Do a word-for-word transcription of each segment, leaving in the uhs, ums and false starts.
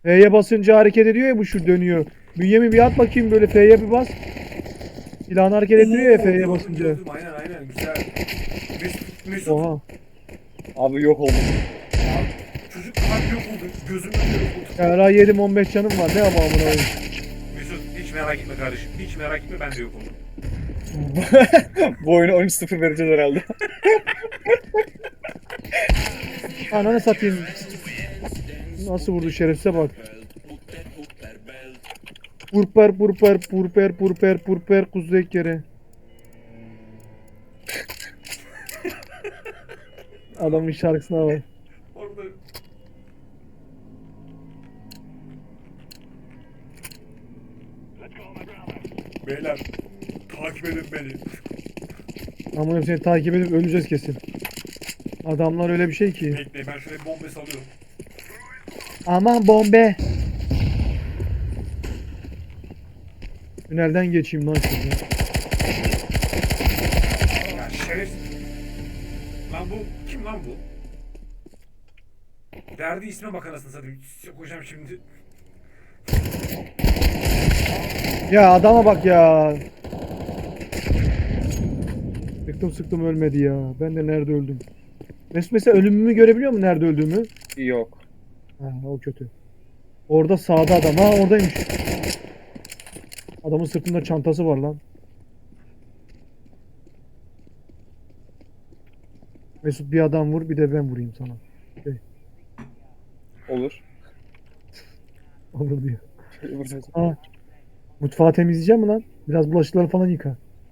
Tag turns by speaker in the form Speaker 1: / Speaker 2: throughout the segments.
Speaker 1: F'ye basınca hareket ediyor ya, bu şu dönüyor. Bünyamin bir at bakayım, böyle F'ye bir bas. Silahını hareket ettiriyor ya
Speaker 2: Oo,
Speaker 1: F'ye
Speaker 2: gördüm,
Speaker 1: basınca.
Speaker 2: gördüm. Aynen aynen güzel. Mesut, Mesut.
Speaker 1: Oha.
Speaker 3: Abi yok oldum.
Speaker 2: Abi, çocuk kalp yok oldu. Gözümün önünde yok oldu.
Speaker 1: Hala yedim on beş canım var. Ne ama amına koyayım.
Speaker 2: Mesut hiç merak etme kardeşim. Hiç merak etme, ben de yok oldum.
Speaker 3: Bu oyunu on üç sıfır vereceğiz herhalde.
Speaker 1: Ananı satayım. Nasıl vurdu şerefsize bak. Purper purper purper purper purper kuzey kere. Adamın şarkısına bak.
Speaker 2: Orada. Beyler takip edin beni.
Speaker 1: Amına seni takip edip öleceğiz kesin. Adamlar öyle bir şey ki.
Speaker 2: Bekleyin, ben şuraya bombe salıyorum.
Speaker 1: Aman bombe. Tünelden geçeyim lan şimdi.
Speaker 2: Ya şeref. Lan bu kim lan bu? Derdi isme bak anasını satayım. Koyacağım şimdi.
Speaker 1: Ya adama bak ya. Sıktım sıktım ölmedi ya. Ben de nerede öldüm. Mesut mesela ölümümü görebiliyor mu, nerede öldüğümü?
Speaker 3: Yok.
Speaker 1: Ha, o kötü. Orada sağda adam. Ha, oradaymış. Adamın sırtında çantası var lan. Mesut bir adam vur, bir de ben vurayım sana.
Speaker 3: Olur.
Speaker 1: Olur diyor.
Speaker 3: Şöyle vuracağız.
Speaker 1: Ha. Mutfağı temizleyeceğim mi lan? Biraz bulaşıkları falan yıka.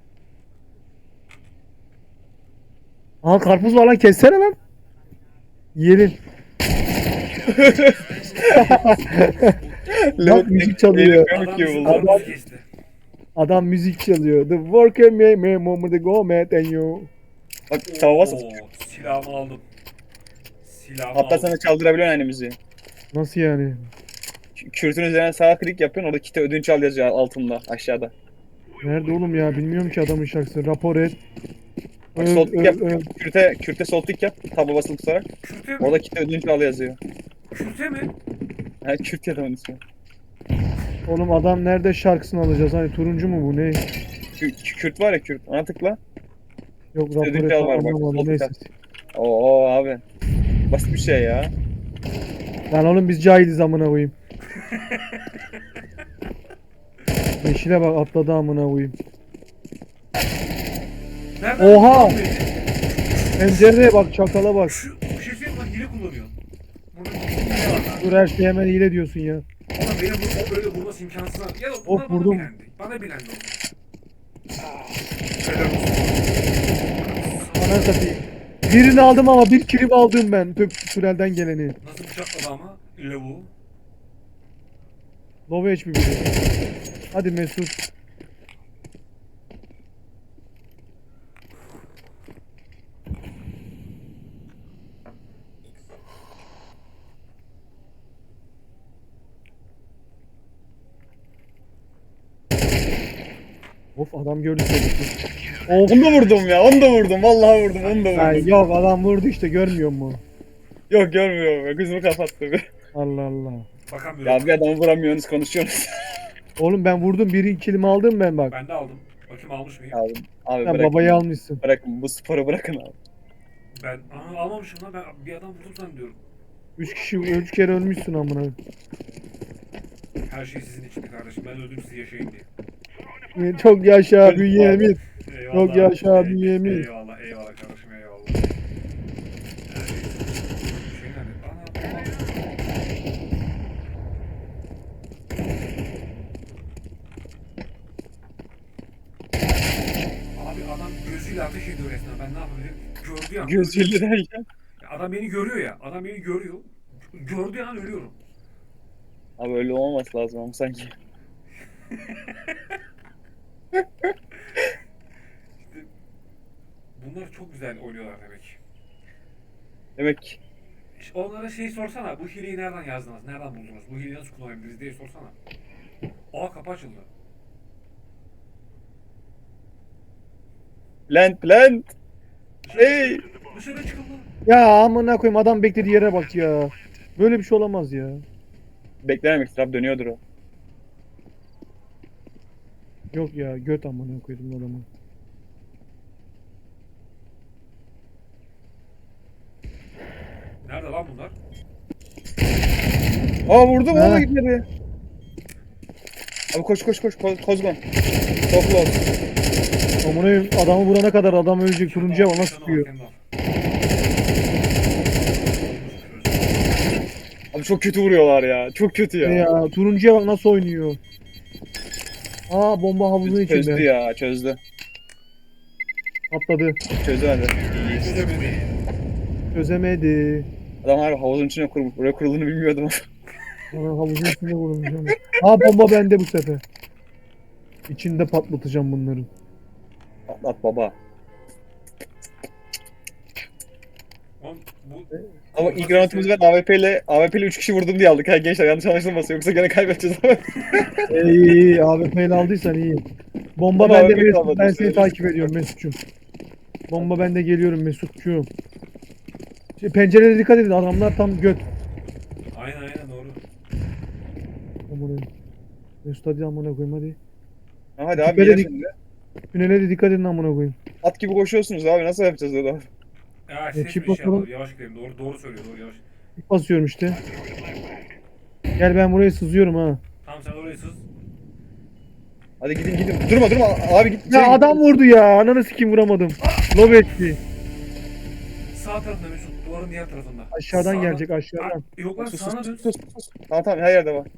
Speaker 1: Aa, karpuz var lan, kessene lan. Yiyelim. Bak müzik çalıyor.
Speaker 3: Yemek
Speaker 2: Adam
Speaker 3: yiyor
Speaker 2: bizim
Speaker 3: vallahi.
Speaker 2: karnımızı kesti.
Speaker 1: Adam müzik çalıyor. The worker may may moment the go met and you.
Speaker 3: Bak tava bas.
Speaker 2: Oo, silahımı aldım. Silahımı
Speaker 3: Hatta
Speaker 2: aldım.
Speaker 3: sana çaldırabiliyorsun aynı müziği.
Speaker 1: Nasıl yani?
Speaker 3: Kü- Kürtün üzerine sağ klik yapıyorsun. Orada kite ödünç al yazıyor altında aşağıda.
Speaker 1: Nerede oğlum ya? Bilmiyorum ki adamın şarkısını. Rapor et.
Speaker 3: Bak
Speaker 1: Öl,
Speaker 3: sol tık
Speaker 1: öl,
Speaker 3: yap.
Speaker 1: öl.
Speaker 3: Kürte, kürte sol tık yap. Taba basılı tutarak.
Speaker 2: Kürte mi?
Speaker 3: Orada kite ödünç al yazıyor.
Speaker 2: Kürte mi?
Speaker 3: Ha, Kürt ya da onun ismi.
Speaker 1: Oğlum adam nerede şarkısını alacağız? Hani turuncu mu bu ne?
Speaker 3: Kü- Kürt var ya Kürt. Ona tıkla.
Speaker 1: Yok rapor
Speaker 3: Ödünç
Speaker 1: et
Speaker 3: al var bak.
Speaker 1: anlamadım.
Speaker 3: Sol
Speaker 1: Neyse.
Speaker 3: tık. Oo abi. Basit bir şey ya.
Speaker 1: Lan oğlum biz cahiliz amına koyayım. Yeşile bak, atladı amına koyayım.
Speaker 2: Nereden
Speaker 1: Oha!
Speaker 2: buldun beni?
Speaker 1: Pencereye bak, çakala bak.
Speaker 2: Şu bir şey söyleyeyim lan, hile kullanıyor. Burada bir hile var lan.
Speaker 1: Dur, her şey hemen hile diyorsun ya.
Speaker 2: Ama benim bu o öyle vurması imkansız abi. Ya da
Speaker 1: Of,
Speaker 2: bunlar bana
Speaker 1: vurdum.
Speaker 2: bilendi. Bana bilendi oldu. Helal olsun.
Speaker 1: Ananı satayım. Birini aldım ama bir kilim aldım ben. Tüp tünelden geleni.
Speaker 2: Nasıl bıçakladı ama lavuğu.
Speaker 1: Low H P biri. Hadi Mesut. Of, adam gördü seni. Of.
Speaker 3: Onu da vurdum ya. Onu da vurdum. Vallahi vurdum. Onu da vurdum.
Speaker 1: Ay, yok, adam vurdu işte, görmüyor mu?
Speaker 3: Yok görmüyorum. ya, Gözümü kapattı bir.
Speaker 1: Allah Allah.
Speaker 2: Bakamıyorum.
Speaker 3: Ya bir adamı vuramıyorsunuz konuşuyorsunuz.
Speaker 1: Oğlum ben vurdum, bir kilimi aldım ben bak.
Speaker 2: Ben de aldım. Bakayım almış mıyım?
Speaker 3: Abi, abi
Speaker 1: Sen
Speaker 3: bırakın.
Speaker 1: babayı almışsın.
Speaker 3: Bırakın bu sporu bırakın abi.
Speaker 2: Ben Aa, almamışım lan. Ben bir adam vurdum zannediyorum.
Speaker 1: Üç kişi, üç kere ölmüşsün amına.
Speaker 2: Her şey sizin için kardeşim. Ben öldüm, siz yaşayın diye.
Speaker 1: Çok yaşa Bünyamin.
Speaker 2: Eyvallah.
Speaker 1: Yok yaşa
Speaker 2: Ey-
Speaker 1: Bünyamin.
Speaker 2: Eyvallah, eyvallah kardeşim, eyvallah. Yani, şey nerede? Ana, ana. Abi adam gözüyle ateş ediyor resmen. Ben ne yapabilirim? Gördüğü an.
Speaker 3: Gözüyle derken.
Speaker 2: Ya adam beni görüyor ya. Adam beni görüyor. Gördüğü an ölüyorum.
Speaker 3: Abi öyle olmaması lazım ama sanki.
Speaker 2: İşte bunlar çok güzel oynuyorlar demek.
Speaker 3: Demek
Speaker 2: İşte onlara şey sorsana. Bu hileyi nereden yazdınız? Nereden buldunuz? Bu hileyi nasıl kullanabiliriz diye sorsana. Aa, kapı açıldı.
Speaker 3: plant plant.
Speaker 2: Dışarı,
Speaker 3: Hey.
Speaker 2: dışarı çıkıldı.
Speaker 1: Ya amına koyayım, adam beklediği yere bak ya. Böyle bir şey olamaz ya.
Speaker 3: Beklememek abi, dönüyordur o.
Speaker 1: Yok ya göt amına koydum adamı.
Speaker 2: Nerede lan bunlar?
Speaker 3: Aa vurdum
Speaker 1: Ha.
Speaker 3: oğlum gitmedi. Abi koş koş koş Ko- Kozgon. Çok close.
Speaker 1: Amına koyayım, adamı vurana kadar adam ölecek. Turuncuya bana
Speaker 2: Canı var,
Speaker 1: sıkıyor.
Speaker 2: canı var.
Speaker 3: Abi çok kötü vuruyorlar ya. Çok kötü ya.
Speaker 1: Ne ya turuncuya bak nasıl oynuyor. Aa bomba havuzun
Speaker 3: Çözdü
Speaker 1: içinde.
Speaker 3: ya, çözdü.
Speaker 1: Atladı.
Speaker 3: Çözdü hadi.
Speaker 2: Çözemedi.
Speaker 1: Çözemedi.
Speaker 3: Adam harbi havuzun içine kurmuş. Buraya kurulduğunu bilmiyordum.
Speaker 1: Ana havuzun içinde vurulacağım. Aa bomba bende bu sefer. İçinde patlatacağım bunların.
Speaker 3: Atlat baba.
Speaker 2: Oğlum bu...
Speaker 3: Ama ilk round'umuz ben A W P ile A W P ile üç kişi vurdum diye aldık. Ha gençler yanlış anlaşılmasın, yoksa gene kaybedeceğiz ama.
Speaker 1: İyi iyi A W P ile aldıysan iyi. Bomba
Speaker 3: Ama
Speaker 1: bende
Speaker 3: A W P
Speaker 1: Mesut.
Speaker 3: kalmadı,
Speaker 1: Ben seni
Speaker 3: söyle.
Speaker 1: takip ediyorum Mesut'cum. Bomba bende geliyorum Mesut'cuğum. Şey, pencerede dikkat edin adamlar tam göt.
Speaker 2: Aynen aynen doğru.
Speaker 1: Amına. Mesut hadi amına koyayım hadi.
Speaker 3: Ha, hadi abi
Speaker 1: Böyle
Speaker 3: gel
Speaker 1: dik-
Speaker 3: şimdi.
Speaker 1: Tünele de dikkat edin amına koyayım.
Speaker 3: At gibi koşuyorsunuz abi, nasıl yapacağız öyle?
Speaker 2: Ya
Speaker 1: E,
Speaker 2: ses
Speaker 1: çift
Speaker 2: bir şey
Speaker 1: bakalım.
Speaker 2: yapalım. Yavaş gidelim. Doğru doğru söylüyor. Doğru yavaş.
Speaker 1: İlk basıyorum işte. Gel ben buraya sızıyorum ha.
Speaker 2: Tamam sen orayı sız.
Speaker 3: Hadi gidin gidin. Durma durma abi git.
Speaker 1: Ya
Speaker 3: Şey,
Speaker 1: adam vurdu ya. Ananı sikeyim vuramadım. Lob etti.
Speaker 2: Sağ tarafında Mesut. Duvarın diğer tarafında.
Speaker 1: Aşağıdan
Speaker 2: Sağda-
Speaker 1: gelecek aşağıdan.
Speaker 2: Aa, yok lan
Speaker 3: Sus
Speaker 2: sağına
Speaker 3: sus
Speaker 2: dön.
Speaker 3: sus sus. sus. Tamam tamam, her yerde var.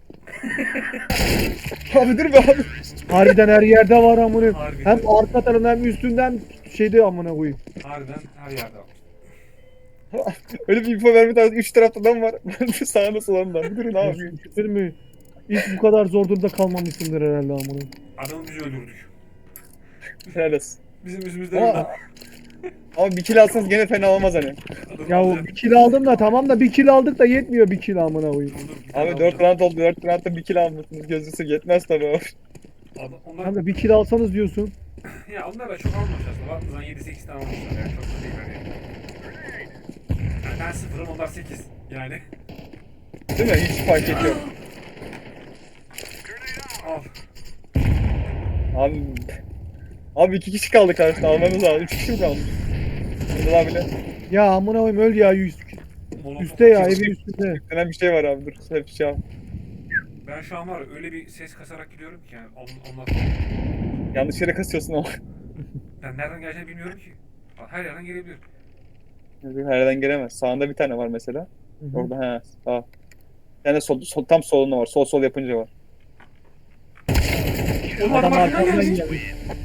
Speaker 3: Abi dur be abi.
Speaker 1: Harbiden her yerde var amına.
Speaker 2: Harbiden.
Speaker 1: Hem arka tarafından hem üstünden şeyde amına koyayım.
Speaker 2: Harbiden her yerde var.
Speaker 3: Öyle bir info verme tarzı, üç tarafta adam var. Sağında solunda. Bir durun abi.
Speaker 1: Şükür mü? Hiç bu kadar zor durumda kalmamışsındır herhalde amına.
Speaker 2: Adamı biz öldürdük.
Speaker 3: Helal olsun.
Speaker 2: Bizim yüzümüzden öldü.
Speaker 3: Ama, ama bir kill alsanız gene fena olmaz hani.
Speaker 2: Adamı
Speaker 1: Ya
Speaker 2: alacak.
Speaker 1: bir kill aldım da tamam da bir kill aldık da yetmiyor bir kill amına koyayım.
Speaker 2: Dur, dur, bir tane
Speaker 3: Abi dört
Speaker 2: alacağım.
Speaker 3: round oldu. dört roundda bir kill almışsınız. Gözünüzü yetmez tabii abi.
Speaker 2: Adam- Onlar,
Speaker 1: Kanka bir kill alsanız diyorsun.
Speaker 2: ya onlar da çok almamış aslında. Baktığınız zaman yedi sekiz tane almışlar yani. Çok da değil yani. Yani ben sıfırım onlar sekiz. Yani.
Speaker 3: Değil mi? Hiç fark ediyor.
Speaker 2: Al.
Speaker 3: Abi Abi iki kişi kaldı karşıda, almanız lazım. Üç kişi mi kaldı? Burada abi bile.
Speaker 1: Ya amına koyayım öl ya yüz.
Speaker 2: Molotof
Speaker 1: Üste ya
Speaker 2: atıyor.
Speaker 1: evin üstünde.
Speaker 3: Denen bir şey var abi, dur. Hep şey yap.
Speaker 2: Ben şu an var ya, öyle bir ses kasarak gidiyorum ki yani on- onlar.
Speaker 3: Yanlış yere kasıyorsun ama.
Speaker 2: Ben nereden geleceğini bilmiyorum ki. Her yerden gelebilir.
Speaker 3: Her yerden gelemez. Sağında bir tane var mesela.
Speaker 1: Hı hı.
Speaker 3: Orada he sağ. Bir tane sol, sol, tam solunda var. Sol sol yapınca var.
Speaker 2: Oğlum
Speaker 1: Adam
Speaker 2: adam arkadan
Speaker 1: arkamdan
Speaker 2: geldi.
Speaker 1: geldi.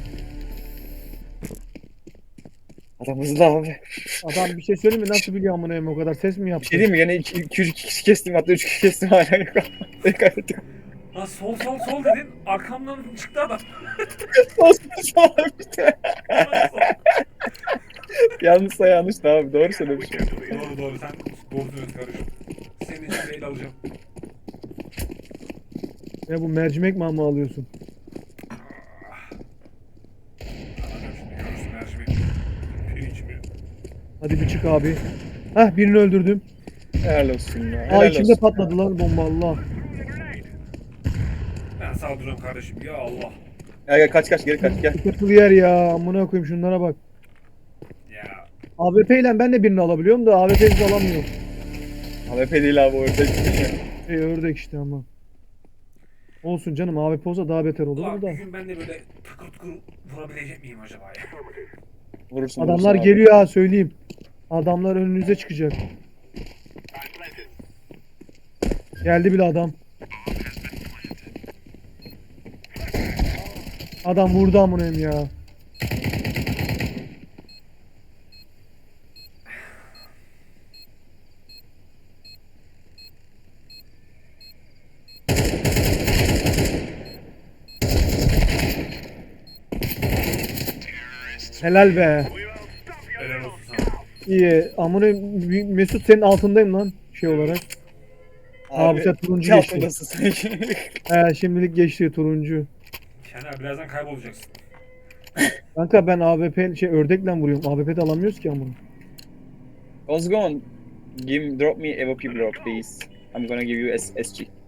Speaker 3: Adam hızlı abi.
Speaker 1: Adam bir şey söyleyeyim mi? Nasıl biliyor amına koyayım o kadar ses mi
Speaker 3: Bir
Speaker 1: yaptı?
Speaker 3: şey diyeyim mi? Gene iki, iki, üç kişi kestim, hatta üç kişi kestim hala yok. Tek kaybettik.
Speaker 2: Lan sol sol sol dedin. Arkamdan çıktı adam.
Speaker 3: Sol sol sol abi.
Speaker 2: Lan sol.
Speaker 3: Yanlışsa yanlış da abi, doğru söylemişim.
Speaker 2: Doğru doğru sen doğru söylüyorsun kardeşim. Senin için de el alacağım.
Speaker 1: Ya bu mercimek mi ama alıyorsun?
Speaker 2: Alacağım şimdi görürsün mercimek. Pirinç mi?
Speaker 1: Hadi bir çık abi. Hah birini öldürdüm.
Speaker 3: Helal olsun ya.
Speaker 1: Aa
Speaker 3: Helal
Speaker 1: içimde
Speaker 3: olsun.
Speaker 1: patladı lan bomba Allah.
Speaker 2: Ben sağ duruyorum kardeşim ya Allah.
Speaker 3: Gel gel, kaç kaç, geri kaç, gel.
Speaker 1: Sıkıntılı yer ya amına koyayım şunlara bak.
Speaker 2: Ya.
Speaker 1: A W P ile ben de birini alabiliyorum da A W P'yi alamıyorum.
Speaker 3: A W P değil abi, orada.
Speaker 1: Şey ördek işte ama. Olsun canım A W P olsa daha beter olur
Speaker 2: Ulan
Speaker 1: da.
Speaker 2: bir gün ben de böyle tıkır tıkır vurabilecek miyim acaba ya?
Speaker 3: Vurursun.
Speaker 1: Adamlar
Speaker 3: vurursun abi.
Speaker 1: geliyor ha söyleyeyim. Adamlar önünüze çıkacak. Geldi bile adam. Adam vurdu amına koyayım ya. Helal be.
Speaker 2: Helal olsun sana.
Speaker 1: İyi. Amına koyayım, Mesut senin altındayım lan şey olarak. Abi sen turuncu
Speaker 3: iki
Speaker 1: geçti.
Speaker 3: altındasın sanki.
Speaker 1: He şimdilik geçti turuncu.
Speaker 2: Şener birazdan kaybolacaksın.
Speaker 1: Kanka ben A W P şey ördekle vuruyorum. A W P de alamıyoruz ki amına.
Speaker 3: Ozgon, give drop me A W P bro please. I'm gonna give you S SG.